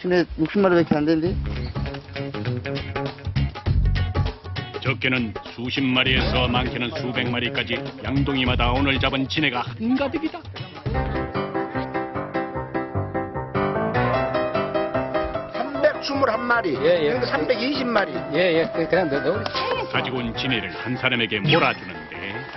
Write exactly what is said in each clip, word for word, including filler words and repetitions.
진해 육십 마리밖에 안 되는데? 적게는 수십 마리에서 많게는 수백 마리까지 양동이마다 오늘 잡은 진해가 한가득이다. 삼백이십일 마리, 예, 예. 삼백이십 마리. 예, 예. 그- 그냥 넣, 넣. 가지고 온 진해를 한 사람에게 몰아주는데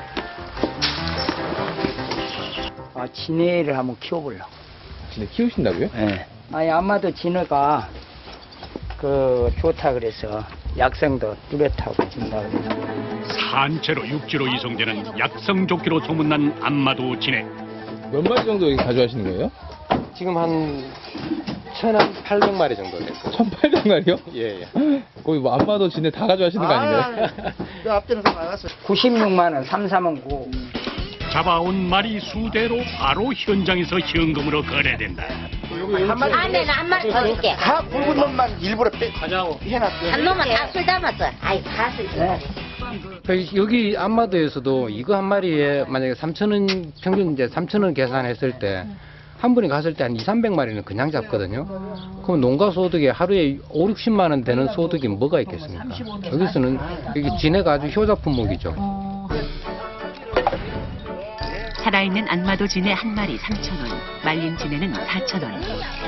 아, 진해를 한번 키워보려고. 진해 키우신다고요? 예. 아니, 아마도 진해가 그 좋다 그래서 약성도 뚜렷하고 준다고 그래서. 산채로 육지로 이송되는 약성조끼로 소문난 안마도 진해. 몇 마리 정도 여기 가져가시는 거예요? 지금 한 천팔백 마리 정도 됐어요. 천팔백 마리요? 예, 예. 거의 뭐 안마도 진해 다 가져가시는 거 아닌가요? 내 앞전에서 나갔어. 구십육만 원, 삼삼은 구. 잡아온 말이 수대로 바로 현장에서 현금으로 거래된다. 한 마리. 안에는 한 마리 더 있게. 다 굵은 놈만 일부러 빼, 해놨어. 한 놈은 다 술 담았어. 아이, 가슬. 네. 그 여기 안마도에서도 이거 한 마리에 만약에 삼천 원 평균 이제 삼천 원 계산했을 때 한 분이 갔을 때 한 이삼백 마리는 그냥 잡거든요. 그럼 농가 소득이 하루에 오육십만 원 되는 소득이 뭐가 있겠습니까? 여기서는 여기 진해가 아주 효자 품목이죠. 살아있는 안마도 진해 한 마리 삼천 원, 말린 진해는 사천 원.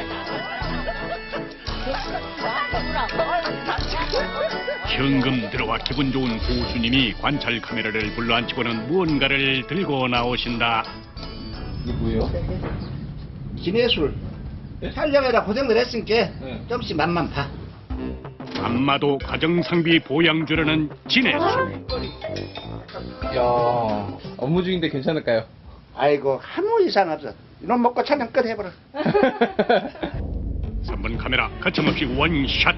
현금 들어와 기분 좋은 고수님이 관찰 카메라를 불러앉히고는 무언가를 들고 나오신다. 이게 뭐예요? 진해술. 촬영이라 고생을 했으니까 네. 조금씩 맛만 봐. 안마도 가정상비 보양주라는 진해술. 야 업무 중인데 괜찮을까요? 아이고, 아무 이상 없어. 이놈 먹고 촬영 끝 해버려. 삼 번 카메라 거침없이 원샷.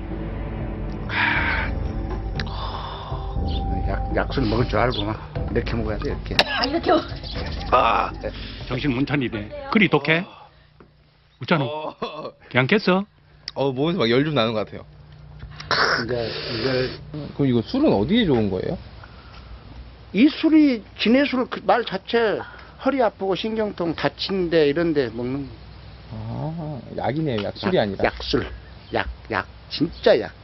약, 약술 먹을 줄 알고 막 이렇게 먹어야 돼, 이렇게. 아, 이렇게. 아, 정신 못 차리네. 그리 독해? 웃잖아. 괜찮겠어? 어 몸에서 막 열 좀 나는 것 같아요. 이제 이걸 그럼 이거 술은 어디에 좋은 거예요? 이 술이 진해술 그 말 자체 허리 아프고 신경통 다친데 이런데 먹는 아 약이네요. 약 술이 약, 아니라. 약술, 약, 약, 진짜 약.